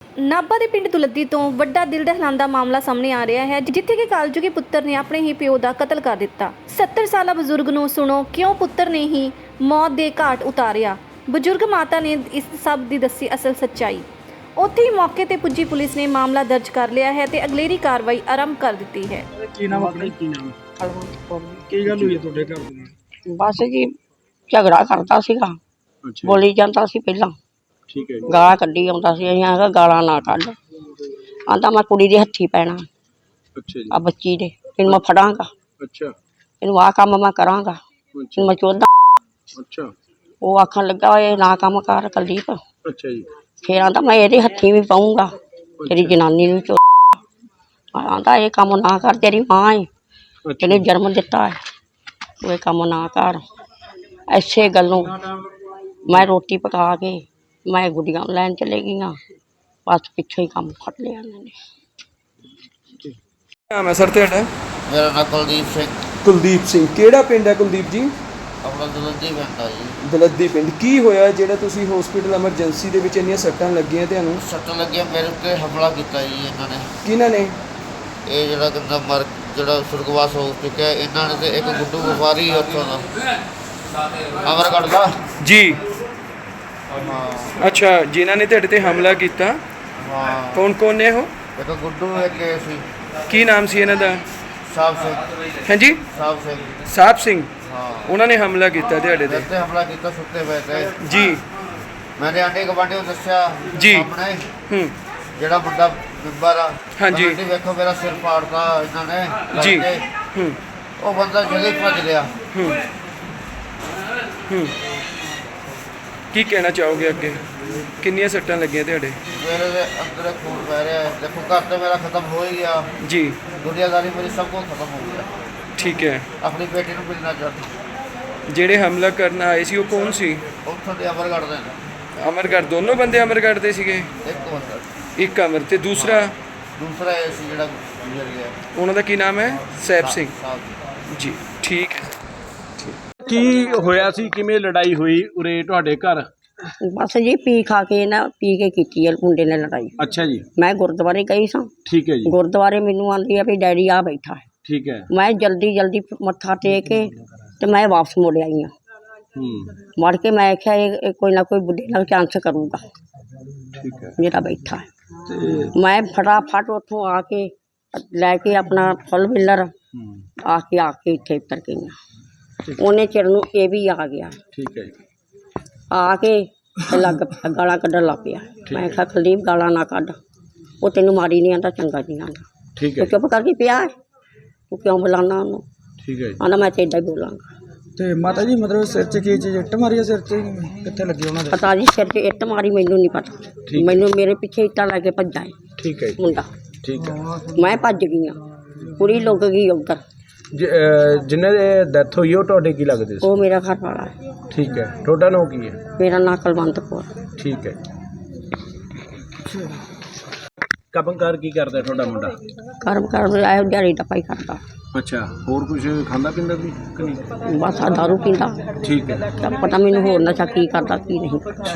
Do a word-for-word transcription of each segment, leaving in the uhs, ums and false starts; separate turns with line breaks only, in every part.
ਨਾਭਾ ਦੇ ਪਿੰਡ ਦੁਲੱਦੀ ਤੋਂ ਵੱਡਾ ਦਿਲ ਦਹਿਲਾਂਦਾ ਮਾਮਲਾ ਸਾਹਮਣੇ ਆ ਰਿਹਾ ਹੈ, ਜਿੱਥੇ ਕਿ ਕਾਲਜੂਗੀ ਪੁੱਤਰ ਨੇ ਆਪਣੇ ਹੀ ਪਿਓ ਦਾ ਕਤਲ ਕਰ ਦਿੱਤਾ। ਸੱਤਰ ਸਾਲਾ ਬਜ਼ੁਰਗ ਨੂੰ ਸੁਣੋ ਕਿਉਂ ਪੁੱਤਰ ਨੇ ਹੀ ਮੌਤ ਦੇ ਘਾਟ ਉਤਾਰਿਆ। ਬਜ਼ੁਰਗ ਮਾਤਾ ਨੇ ਇਸ ਸਭ ਦੀ ਦੱਸੀ ਅਸਲ ਸੱਚਾਈ। ਉੱਥੇ ਹੀ ਮੌਕੇ ਤੇ ਪੁੱਜੀ ਪੁਲਿਸ ਨੇ ਮਾਮਲਾ ਦਰਜ ਕਰ ਲਿਆ ਹੈ ਤੇ ਅਗਲੇਰੀ ਕਾਰਵਾਈ ਆਰੰਭ ਕਰ ਦਿੱਤੀ ਹੈ।
ਕੀ ਨਾਮ ਆਪਣਾ? ਕੀ ਨਾਮ? ਕੀ ਗੱਲ ਹੋਈ ਹੈ ਤੁਹਾਡੇ ਘਰ ਦੇ ਨਾਲ?
ਬਸ ਜੀ ਝਗੜਾ ਕਰਦਾ ਸੀਗਾ, ਬੋਲੀ ਜਾਂਦਾ ਸੀ ਪਹਿਲਾਂ,
ਠੀਕ ਹੈ ਜੀ।
ਗਾਲਾਂ ਕੱਢੀ ਆਉਂਦਾ ਸੀ। ਅਸੀਂ ਆਖਿਆ ਗਾਲਾਂ ਨਾ ਕੱਢ, ਆਂਦਾ ਮੈਂ ਕੁੜੀ ਦੇ ਹੱਥੀ ਪੈਣਾ,
ਅੱਛਾ ਜੀ।
ਆ ਬੱਚੀ ਦੇ, ਇਹਨੂੰ ਮੈਂ ਫੜਾਂਗਾ,
ਅੱਛਾ
ਇਹਨੂੰ ਆਹ ਕੰਮ ਮੈਂ ਕਰਾਂਗਾ, ਇਹਨੂੰ ਮੈਂ ਚੋਦਾ।
ਅੱਛਾ
ਉਹ ਆਖਣ ਲੱਗਾ ਇਹ ਨਾ ਕੰਮ ਕਰ ਕੁਲਦੀਪ।
ਅੱਛਾ ਜੀ।
ਫਿਰ ਆਂਦਾ ਮੈਂ ਇਹਦੇ ਹੱਥੀ ਵੀ ਪਾਊਂਗਾ, ਤੇਰੀ ਜਨਾਨੀ ਨੂੰ ਚੋ। ਆਂਦਾ ਇਹ ਕੰਮ ਨਾ ਕਰ, ਤੇਰੀ ਮਾਂ ਏ, ਤੈਨੂੰ ਜਨਮ ਦਿੱਤਾ ਹੈ, ਉਹ ਇਹ ਕੰਮ ਨਾ ਕਰ। ਐਸੇ ਗੱਲੋਂ ਮੈਂ ਰੋਟੀ ਪਕਾ ਕੇ ਮੈਂ ਗੁੱਡੀਆਂ ਲੈਣ ਚਲੇ ਗਈਆਂ, ਬਸ ਪਿੱਛੋਂ ਹੀ ਕੰਮ ਫੜ ਲਿਆ ਇਹਨਾਂ ਨੇ।
ਨਾਮ ਹੈ ਸਰ ਤੁਹਾਡਾ?
ਮੇਰਾ ਨਾਮ ਕੁਲਦੀਪ ਸਿੰਘ।
ਕੁਲਦੀਪ ਸਿੰਘ, ਕਿਹੜਾ ਪਿੰਡ ਹੈ ਕੁਲਦੀਪ ਜੀ?
ਆਪਣਾ ਦਲੱਦੀ ਪਿੰਡ ਆ ਜੀ।
ਦਲੱਦੀ ਪਿੰਡ। ਕੀ ਹੋਇਆ ਜਿਹੜਾ ਤੁਸੀਂ ਹਸਪੀਟਲ ਐਮਰਜੈਂਸੀ ਦੇ ਵਿੱਚ ਇੰਨੀਆਂ ਸੱਟਾਂ ਲੱਗੀਆਂ ਤੁਹਾਨੂੰ?
ਸੱਟ ਲੱਗਿਆ ਮੇਰੇ ਉੱਤੇ ਹਮਲਾ ਕੀਤਾ ਜੀ ਇਹਨਾਂ ਨੇ।
ਕਿਹਨਾਂ ਨੇ?
ਇਹ ਜਿਹੜਾ ਕਹਿੰਦਾ ਮਰ ਜਿਹੜਾ ਸੁਰਗਵਾਸ ਹੋ ਚੁੱਕਿਆ, ਇਹਨਾਂ ਨੇ ਤੇ ਇੱਕ ਗੁੱਡੂ ਵਪਾਰੀ ਉੱਥੋਂ ਦਾ ਅਮਰਗੜ੍ਹ ਦਾ
ਜੀ।
ਹਾਂ
ਅੱਛਾ, ਜਿਨ੍ਹਾਂ ਨੇ ਤੁਹਾਡੇ ਤੇ ਹਮਲਾ ਕੀਤਾ
ਹਾਂ।
ਕੌਣ ਕੌਣ ਨੇ ਉਹ?
ਇੱਕ ਗੁੱਡੂ ਇੱਕ ਇਹ ਸੀ
ਕੀ ਨਾਮ ਸੀ ਇਹਨਾਂ ਦਾ?
ਸਾਹਿਬ ਸਿੰਘ।
ਹਾਂਜੀ,
ਸਾਹਿਬ ਸਿੰਘ
ਸਾਹਿਬ ਸਿੰਘ।
ਹਾਂ।
ਉਹਨਾਂ ਨੇ ਹਮਲਾ ਕੀਤਾ ਤੁਹਾਡੇ ਤੇ?
ਮੇਰੇ ਤੇ ਹਮਲਾ ਕੀਤਾ ਸੁੱਤੇ ਪਏ ਤੇ
ਜੀ।
ਮੈंने ਆਂਢੀ ਗੁਆਂਢੀ ਨੂੰ ਦੱਸਿਆ
ਜੀ।
ਸਾਹਮਣੇ
ਹੂੰ
ਜਿਹੜਾ ਮੁੰਡਾ ਬਿੰਬਰ ਆ।
ਹਾਂਜੀ।
ਆਂਟੀ ਵੇਖੋ ਮੇਰਾ ਸਿਰ ਪਾੜਤਾ ਇਹਨਾਂ ਨੇ ਲੱਗ
ਜੀ।
ਕੇ।
ਹੂੰ
ਉਹ ਬੰਦਾ ਜਲਦੀ ਭੱਜ ਗਿਆ।
ਹੂੰ ਹੂੰ ਕੀ ਕਹਿਣਾ ਚਾਹੋਗੇ ਅੱਗੇ? ਕਿੰਨੀਆਂ ਸੱਟਾਂ ਲੱਗੀਆਂ ਤੁਹਾਡੇ?
ਮੇਰੇ ਦੇ ਅੰਦਰ ਖੂਨ ਪੈ ਰਿਹਾ ਹੈ। ਦੇਖੋ ਘਰ ਤੇ ਮੇਰਾ ਖਤਮ ਹੋ ਹੀ ਗਿਆ,
ਜੀ।
ਦੁਨੀਆਦਾਰੀ ਮੇਰੀ ਸਭ ਕੁਝ ਖਤਮ ਹੋ ਗਿਆ।
ਠੀਕ ਹੈ।
ਆਪਣੀ ਬੇਟੀ ਨੂੰ ਮਿਲਣਾ ਚਾਹੁੰਦੀ।
ਜਿਹੜੇ ਹਮਲਾ ਕਰਨ ਆਏ ਸੀ ਉਹ ਕੌਣ ਸੀ?
ਉੱਥੋਂ ਦੇ ਅਮਰਗੜ੍ਹ ਦੇ ਨੇ।
ਅਮਰਗੜ੍ਹ? ਦੋਨੋਂ ਬੰਦੇ ਅਮਰਗੜ੍ਹ ਦੇ ਸੀਗੇ?
ਇੱਕ ਬੰਦਾ,
ਇੱਕ ਅਮਰ ਤੇ ਦੂਸਰਾ?
ਦੂਸਰਾ ਇਹ ਸੀ ਜਿਹੜਾ ਗੁਜ਼ਰ ਗਿਆ।
ਉਹਨਾਂ ਦਾ ਕੀ ਨਾਮ ਹੈ? ਸੈਬ ਸਿੰਘ।
ਸਾਹਿਬ
ਜੀ, ਠੀਕ ਹੈ।
ਕੀ ਹੋਇਆ ਸੀ? ਕਿਵੇਂ ਲੜਾਈ ਹੋਈ ਉਰੇ ਤੁਹਾਡੇ ਘਰ?
ਬਸ ਜੀ ਪੀ ਖਾ ਕੇ ਨਾ, ਪੀ ਕੇ ਕੀਤੀ ਹੈ ਮੁੰਡੇ ਨੇ ਲੜਾਈ।
ਅੱਛਾ ਜੀ।
ਮੈਂ ਗੁਰਦੁਆਰੇ ਗਈ ਸਾਂ।
ਠੀਕ ਹੈ ਜੀ।
ਗੁਰਦੁਆਰੇ ਮੈਨੂੰ ਆਂਦੀ ਆ ਵੀ ਡੈਡੀ ਆ ਬੈਠਾ ਹੈ।
ਠੀਕ ਹੈ।
ਮੈਂ ਜਲਦੀ ਜਲਦੀ ਮੱਥਾ ਟੇਕ ਕੇ ਤੇ ਮੈਂ ਵਾਪਸ ਮੁੜ ਆਈ ਹਾਂ।
ਹੂੰ
ਮੁੜ ਕੇ ਮੈਂ ਆਖਿਆ ਇਹ ਇਹ ਕੋਈ ਨਾ ਕੋਈ ਬੁੱਢੇ ਨਾਲ ਚਾਂਸ ਕਰੂਗਾ
ਠੀਕ ਹੈ।
ਜਿਹੜਾ ਬੈਠਾ ਹੈ।
ਤੇ
ਮੈਂ ਫਟਾਫਟ ਉੱਥੋਂ ਆ ਕੇ ਲੈ ਕੇ ਆਪਣਾ ਫੁੱਲ ਵਿਲਰ
ਹੂੰ
ਆ ਕੇ ਆ ਕੇ ਇੱਥੇ ਉਤਰ ਗਈਆਂ। ਉਹਨੇ ਚਿਰ ਨੂੰ ਇਹ ਵੀ ਆ ਗਿਆ।
ਠੀਕ ਹੈ ਜੀ।
ਆ ਕੇ ਤੇ ਲੱਗ ਪਿਆ ਗਾਲਾਂ ਕੱਢਣ ਲੱਗ ਪਿਆ। ਮੈਂ ਕਿਹਾ ਕੁਲਦੀਪ ਗਾਲਾਂ ਨਾ ਕੱਢ, ਉਹ ਤੈਨੂੰ ਮਾੜੀ ਨਹੀਂ ਆਂਦਾ, ਚੰਗਾ ਨਹੀਂ ਆਂਦਾ।
ਠੀਕ ਹੈ।
ਤੂੰ ਚੁੱਪ ਕਰਕੇ ਪਿਆ ਹੈ, ਤੂੰ ਕਿਉਂ ਬੁਲਾਉਣਾ ਉਹਨੂੰ?
ਠੀਕ ਹੈ ਜੀ।
ਆਂਦਾ ਮੈਂ ਤਾਂ ਇੱਦਾਂ ਹੀ ਬੋਲਾਂਗਾ।
ਤੇ ਮਾਤਾ ਜੀ ਮਤਲਬ ਸਿਰ 'ਚ ਕੀ ਚੀਜ਼ ਇੱਟ ਮਾਰੀ ਆ? ਸਿਰ 'ਚ ਕਿੱਥੇ ਲੱਗੀ ਉਹਨਾਂ ਦੇ?
ਪਤਾ ਜੀ ਸਿਰ 'ਚ ਇੱਟ ਮਾਰੀ ਮੈਨੂੰ ਨਹੀਂ ਪਤਾ। ਮੈਨੂੰ ਮੇਰੇ ਪਿੱਛੇ ਇੱਟਾਂ ਲੈ ਕੇ ਭੱਜਾ ਹੈ
ਠੀਕ ਹੈ ਜੀ।
ਮੁੰਡਾ।
ਠੀਕ ਹੈ।
ਮੈਂ ਭੱਜ ਗਈ ਹਾਂ, ਕੁੜੀ ਲੁੱਕ ਗਈ ਉੱਧਰ।
ਜਿਨ੍ਹਾਂ ਦੇ ਡੈਥ ਹੋਈ ਉਹ ਤੁਹਾਡੇ ਕੀ ਲੱਗਦੇ ਸੀ?
ਉਹ ਮੇਰਾ ਘਰ ਵਾਲਾ ਹੈ।
ਠੀਕ ਹੈ। ਤੁਹਾਡਾ ਨਾਮ ਕੀ ਹੈ?
ਮੇਰਾ ਨਾਂ ਕੁਲਵੰਤ ਕੌਰ।
ਠੀਕ ਹੈ। ਕੰਮਕਾਰ ਕੀ ਕਰਦਾ ਤੁਹਾਡਾ ਮੁੰਡਾ?
ਕਰਮ ਕਰ ਆਇਆ ਦਿਹਾੜੀ ਦਾ ਪਾਈ ਕਰਦਾ।
ਅੱਛਾ, ਹੋਰ ਕੁਝ ਖਾਂਦਾ ਪੀਂਦਾ ਵੀ ਕਿ ਨਹੀਂ?
ਬਸ ਆ ਦਾਰੂ ਪੀਂਦਾ।
ਠੀਕ ਹੈ।
ਤਾਂ ਪਤਾ ਮੈਨੂੰ ਹੋਰ ਨਸ਼ਾ ਕੀ ਕਰਦਾ ਕੀ ਨਹੀਂ ਕਰਦਾ।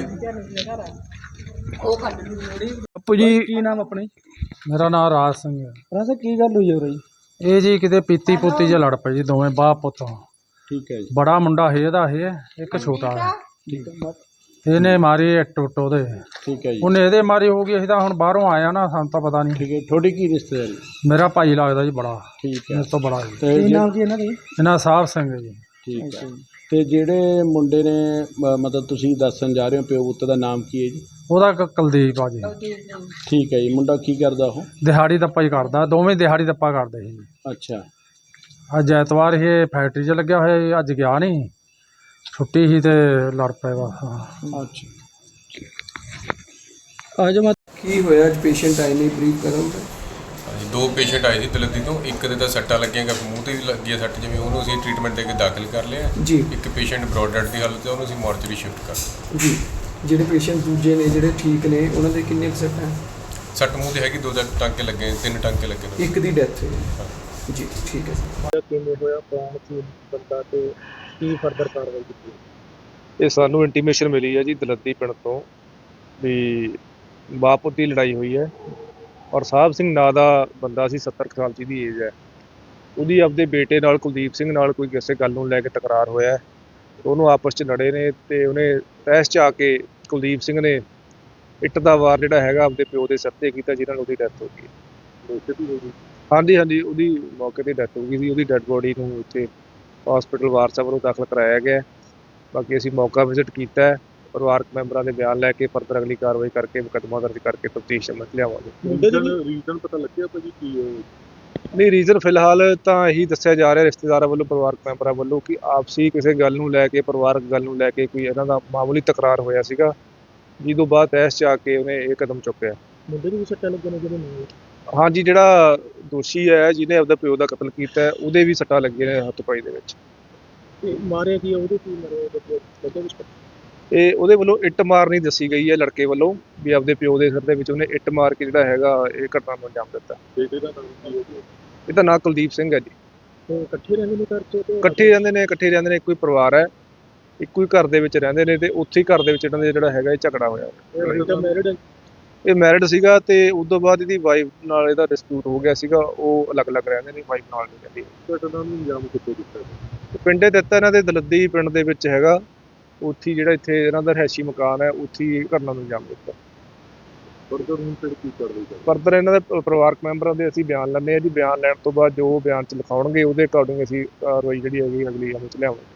ਆਪੂ ਜੀ,
ਕੀ ਨਾਮ ਆਪਣੇ?
ਮੇਰਾ ਨਾਮ ਰਾਜ ਸਿੰਘ ਹੈ।
ਰਾਸਾ ਕੀ ਗੱਲ ਹੋਈ ਹੋ ਰਹੀ?
ਇਹ ਜੀ ਕਿਤੇ ਪੀਤੀ ਪੁੱਤੀ ਜਿਹਾ ਲੜ ਪਏ ਜੀ, ਦੋਵੇਂ ਬਾਪ ਪੁੱਤ।
ਠੀਕ ਹੈ ਜੀ।
ਬੜਾ ਮੁੰਡਾ ਹੈ ਇਹਦਾ, ਇਹ ਇੱਕ ਛੋਟਾ ਹੈ। ਇਹਨੇ ਮਾਰੀ ਇੱਟ ਉੱਟ ਉਹਦੇ,
ਠੀਕ ਹੈ ਜੀ।
ਉਹਨੇ ਇਹਦੇ ਮਾਰੀ ਹੋ ਗਈ। ਅਸੀਂ ਤਾਂ ਹੁਣ ਬਾਹਰੋਂ ਆਇਆ ਨਾ, ਸਾਨੂੰ ਤਾਂ ਪਤਾ ਨਹੀਂ।
ਠੀਕ ਹੈ। ਤੁਹਾਡੀ ਕੀ ਰਿਸ਼ਤੇਦਾਰੀ?
ਮੇਰਾ ਭਾਈ ਲੱਗਦਾ ਜੀ ਬੜਾ,
ਠੀਕ ਹੈ।
ਇਸ ਤੋਂ ਬੜਾ ਜੀ।
ਤੇ
ਕੀ
ਜੇ-
ਨਾਮ ਕੀ ਇਹਨਾਂ ਦੇ?
ਇਹਨਾਂ ਸਾਹਿਬ ਸਿੰਘ ਹੈ ਜੀ।
ਠੀਕ ਹੈ। ਤੇ ਜਿਹੜੇ ਮੁੰਡੇ ਨੇ ਮ- ਮਤਲਬ ਤੁਸੀਂ ਦੱਸਣ ਜਾ ਰਹੇ ਹੋ ਪਿਓ ਪੁੱਤ ਦਾ ਨਾਮ ਕੀ ਹੈ ਜੀ?
ਉਹਦਾ ਕ- ਕੁਲਦੀਪ ਆ ਜੀ।
ਠੀਕ ਹੈ ਜੀ। ਮੁੰਡਾ ਕੀ ਕਰਦਾ ਉਹ?
ਦਿਹਾੜੀ ਦੱਪਾ ਹੀ ਕਰਦਾ, ਦੋਵੇਂ ਦਿਹਾੜੀ ਦੱਪਾ ਕਰਦੇ ਸੀ ਜੀ।
ਅੱਛਾ।
ਅੱਜ ਐਤਵਾਰ ਇਹ ਫੈਕਟਰੀ 'ਚ ਲੱਗਿਆ ਹੋਇਆ ਸੀ, ਅੱਜ ਗਿਆ ਨਹੀਂ, ਛੁੱਟੀ ਸੀ ਤੇ ਲੜ ਪਏ ਬਸ।
ਅੱਛਾ।
ਅੱਜ ਮਤ ਕੀ ਹੋਇਆ? ਅੱਜ ਪੇਸ਼ੈਂਟ ਆਏ ਨੇ, ਬਰੀਫ ਕਰੋਗੇ?
ਹਾਂਜੀ, ਦੋ ਪੇਸ਼ੈਂਟ ਆਏ ਸੀ ਦਲੱਦੀ ਤੋਂ। ਇੱਕ ਦੇ ਤਾਂ ਸੱਟਾਂ ਲੱਗੀਆਂ, ਮੂੰਹ ਤੇ ਲੱਗੀ ਹੈ ਸੱਟ, ਜਿਵੇਂ ਉਹਨੂੰ ਅਸੀਂ ਟ੍ਰੀਟਮੈਂਟ ਦੇ ਕੇ ਦਾਖਲ ਕਰ ਲਿਆ।
ਜੀ।
ਇੱਕ ਪੇਸ਼ੈਂਟ ਬ੍ਰੌਡ ਡੈਡ ਦੀ ਹਾਲਤ 'ਚ, ਉਹਨੂੰ ਅਸੀਂ ਮੋਰਚਰੀ ਸ਼ਿਫਟ ਕਰ।
ਜੀ। ਜਿਹੜੇ ਪੇਸ਼ੈਂਟ ਦੂਜੇ ਨੇ ਜਿਹੜੇ ਠੀਕ ਨੇ ਉਹਨਾਂ ਦੇ ਕਿੰਨੇ ਕੁ ਸੱਟਾਂ?
ਸੱਟ ਮੂੰਹ ਤੇ ਹੈਗੀ, ਦੋ ਚਾਰ ਟਾਂਕੇ ਲੱਗੇ, ਤਿੰਨ ਟਾਂਕੇ ਲੱਗੇ ਨੇ।
ਇੱਕ ਦੀ ਡੈਥ ਹੋਈ। ਜੀ ਠੀਕ ਹੈ ਸਰ।
ਕਿਵੇਂ ਹੋਇਆ, ਕੌਣ ਸੀ ਬੰਦਾ ਤੇ ਕੀ ਫਰਦਰ ਕਾਰਵਾਈ ਕੀਤੀ? ਇਹ ਸਾਨੂੰ ਇੰਟੀਮੇਸ਼ਨ ਮਿਲੀ ਹੈ ਜੀ ਦਲੱਦੀ ਪਿੰਡ ਤੋਂ ਵੀ ਬਾਪ ਪੁੱਤ ਦੀ ਲੜਾਈ ਹੋਈ ਹੈ ਔਰ ਸਾਹਿਬ ਸਿੰਘ ਨਾਂ ਦਾ ਬੰਦਾ ਸੀ, ਸੱਤਰ ਕੁ ਸਾਲ ਦੀ ਏਜ ਹੈ। ਉਹਦੀ ਆਪਦੇ ਬੇਟੇ ਨਾਲ ਕੁਲਦੀਪ ਸਿੰਘ ਨਾਲ ਕੋਈ ਕਿਸੇ ਗੱਲ ਨੂੰ ਲੈ ਕੇ ਤਕਰਾਰ ਹੋਇਆ ਹੈ। ਉਹਨੂੰ ਆਪਸ 'ਚ ਲੜੇ ਨੇ ਤੇ ਉਹਨੇ ਤਹਿਸ 'ਚ ਆ ਕੇ ਕੁਲਦੀਪ ਸਿੰਘ ਨੇ ਇੱਟ ਦਾ ਵਾਰ ਜਿਹੜਾ ਹੈਗਾ ਆਪਦੇ ਪਿਓ ਦੇ ਸਿਰ 'ਤੇ ਕੀਤਾ, ਜਿਹਨਾਂ ਨਾਲ ਉਹਦੀ ਡੈਥ ਹੋ ਗਈ। ਹਾਂਜੀ ਹਾਂਜੀ ਉਹਦੀ ਮੌਕੇ 'ਤੇ ਡੈਥ ਹੋ ਗਈ ਸੀ। ਉਹਦੀ ਡੈੱਡ ਬੋਡੀ ਨੂੰ ਇੱਥੇ ਹਸਪੀਟਲ ਵਾਰਸਾ ਵੱਲੋਂ ਦਾਖਲ ਕਰਾਇਆ ਗਿਆ। ਬਾਕੀ ਅਸੀਂ ਮੌਕਾ ਵਿਜ਼ਿਟ ਕੀਤਾ ਹੈ, ਪਰਿਵਾਰਕ ਮੈਂਬਰਾਂ ਦੇ ਬਿਆਨ ਲੈ ਕੇ ਫਰਦਰ ਅਗਲੀ ਕਾਰਵਾਈ ਕਰਕੇ ਮੁਕੱਦਮਾ ਦਰਜ ਕਰਕੇ ਤਫਤੀਸ਼ ਸਮਝ ਲਿਆਵਾਂਗੇ।
ਰੀਜ਼ਨ ਪਤਾ ਲੱਗਿਆ ਭਾਜੀ ਕੀ ਹੈ?
ਨਹੀਂ, ਰੀਜ਼ਨ ਫਿਲਹਾਲ ਤਾਂ ਇਹੀ ਦੱਸਿਆ ਜਾ ਰਿਹਾ ਰਿਸ਼ਤੇਦਾਰਾਂ ਵੱਲੋਂ, ਪਰਿਵਾਰਕ ਮੈਂਬਰਾਂ ਵੱਲੋਂ, ਕਿ ਆਪਸੀ ਕਿਸੇ ਗੱਲ ਨੂੰ ਲੈ ਕੇ, ਪਰਿਵਾਰਕ ਗੱਲ ਨੂੰ ਲੈ ਕੇ ਕੋਈ ਇਹਨਾਂ ਦਾ ਮਾਮੂਲੀ ਤਕਰਾਰ ਹੋਇਆ ਸੀਗਾ, ਜਿਹਦੋਂ ਬਾਅਦ ਤਹਿਸ 'ਚ ਆ ਕੇ ਉਹਨੇ ਇਹ ਕਦਮ ਚੁੱਕਿਆ।
ਮੁੰਡੇ ਨੂੰ ਵੀ ਸੱਟਾਂ ਲੱਗੀਆਂ ਨੇ ਜਿਹੜੇ ਨਾਲ?
ਹਾਂਜੀ, ਜਿਹੜਾ ਦੋਸ਼ੀ ਹੈ ਜਿਹਨੇ ਆਪਦਾ ਪਿਓ ਦਾ ਕਤਲ ਕੀਤਾ ਹੈ, ਉਹਦੇ ਵੀ ਸੱਟਾਂ ਲੱਗੀਆਂ ਨੇ ਹੱਥ ਪਾਈ ਦੇ ਵਿੱਚ।
ਤੇ ਮਾਰਿਆ ਕੀ ਉਹਦੇ ਕੀ ਮਾਰਿਆ ਬੱਚੇ ਵਿੱਚ?
ਇਹ ਉਹਦੇ ਵੱਲੋਂ ਇੱਟ ਮਾਰਨੀ ਦੱਸੀ ਗਈ ਹੈ ਲੜਕੇ ਵੱਲੋਂ, ਵੀ ਆਪਦੇ ਪਿਓ ਦੇ ਸਿਰ ਦੇ ਵਿੱਚ ਉਹਨੇ ਇੱਟ ਮਾਰ ਕੇ ਜਿਹੜਾ ਹੈਗਾ ਇਹ ਘਟਨਾ ਨੂੰ ਅੰਜਾਮ ਦਿੱਤਾ।
ਬੇਟੇ ਦਾ ਨਾਮ ਕੀ ਹੈ?
ਇਹਦਾ ਨਾਂ ਕੁਲਦੀਪ ਸਿੰਘ ਹੈ ਜੀ।
ਤੇ ਇਕੱਠੇ ਰਹਿੰਦੇ ਨੇ ਘਰ 'ਚ?
ਇਕੱਠੇ ਰਹਿੰਦੇ ਨੇ ਇਕੱਠੇ ਰਹਿੰਦੇ ਨੇ ਇੱਕੋ ਹੀ ਪਰਿਵਾਰ ਹੈ, ਇੱਕੋ ਹੀ ਘਰ ਦੇ ਵਿੱਚ ਰਹਿੰਦੇ ਨੇ ਤੇ ਉੱਥੇ ਹੀ ਘਰ ਦੇ ਵਿੱਚ ਇਹਨਾਂ ਦੇ ਜਿਹੜਾ ਹੈਗਾ ਇਹ ਝਗੜਾ ਹੋਇਆ।
ਮੈਰਿਡ ਹੈ?
ਇਹ ਮੈਰਿਡ ਸੀਗਾ ਤੇ ਉਸ ਤੋਂ ਬਾਅਦ ਇਹਦੀ ਵਾਈਫ ਨਾਲ ਇਹਦਾ ਡਿਸਪਿਊਟ ਹੋ ਗਿਆ ਸੀਗਾ, ਉਹ ਅਲੱਗ-ਅਲੱਗ ਰਹਿੰਦੇ ਨੇ, ਵਾਈਫ ਨਾਲ ਨਹੀਂ ਰਹਿੰਦੀ।
ਘਟਨਾ ਨੂੰ ਅੰਜਾਮ ਕਿੱਥੇ ਦਿੱਤਾ?
ਪਿੰਡੇ ਦਿੱਤਾ ਇਹਨਾਂ ਦੇ ਦਲੱਦੀ ਪਿੰਡ ਦੇ ਵਿੱਚ ਹੈਗਾ, ਉੱਥੇ ਹੀ ਜਿਹੜਾ ਇੱਥੇ ਇਹਨਾਂ ਦਾ ਰਿਹਾਇਸ਼ੀ ਮਕਾਨ ਹੈ, ਉੱਥੇ ਹੀ ਘਟਨਾ ਨੂੰ ਅੰਜਾਮ ਦਿੱਤਾ।
ਫਰਦਰ ਹੁਣ ਫਿਰ ਕੀ ਕਾਰਵਾਈ?
ਫਰਦਰ ਇਹਨਾਂ ਦੇ ਪ- ਪਰਿਵਾਰਕ ਮੈਂਬਰਾਂ ਦੇ ਅਸੀਂ ਬਿਆਨ ਲੈਂਦੇ ਹਾਂ ਜੀ। ਬਿਆਨ ਲੈਣ ਤੋਂ ਬਾਅਦ ਜੋ ਬਿਆਨ 'ਚ ਲਿਖਾਉਣਗੇ ਉਹਦੇ ਅਕੋਰਡਿੰਗ ਅਸੀਂ ਕਾਰਵਾਈ ਜਿਹੜੀ ਹੈਗੀ ਅਗਲੀ ਅਮਲ 'ਚ ਲਿਆਵਾਂਗੇ।